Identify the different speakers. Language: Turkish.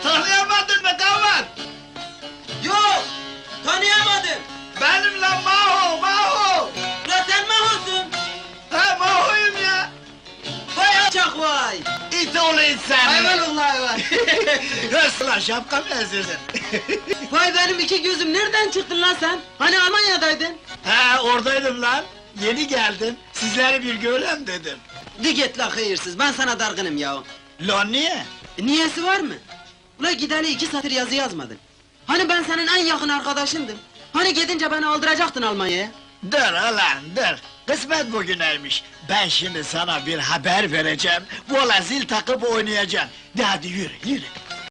Speaker 1: Tanıyamadın mı Gavat?
Speaker 2: Yok! Tanıyamadım!
Speaker 1: Benim lan Maho, Maho!
Speaker 2: Ulan sen Maho'sun!
Speaker 1: Ha Maho'yum ya!
Speaker 2: Vay alçak vay!
Speaker 1: İt oğlu it seni!
Speaker 2: Hayvan hayvan!
Speaker 1: Nasıl şapka mı ezirdin?
Speaker 2: Vay benim iki gözüm, nereden çıktın lan sen? Hani Almanya'daydın?
Speaker 1: Ha oradaydım lan! Yeni geldim, sizleri bir görem dedim.
Speaker 2: De git la hayırsız, ben sana dargınım ya!
Speaker 1: Lan niye?
Speaker 2: Niyesi var mı? Ula gideli 2 satır yazı yazmadın. Hani ben senin en yakın arkadaşındım? Hani gidince beni aldıracaktın Almanya'ya?
Speaker 1: Dur ulan dur! Kısmet bugüneymiş. Ben şimdi sana bir haber vereceğim. Vola zil takıp oynayacaksın. De hadi yürü, yürü!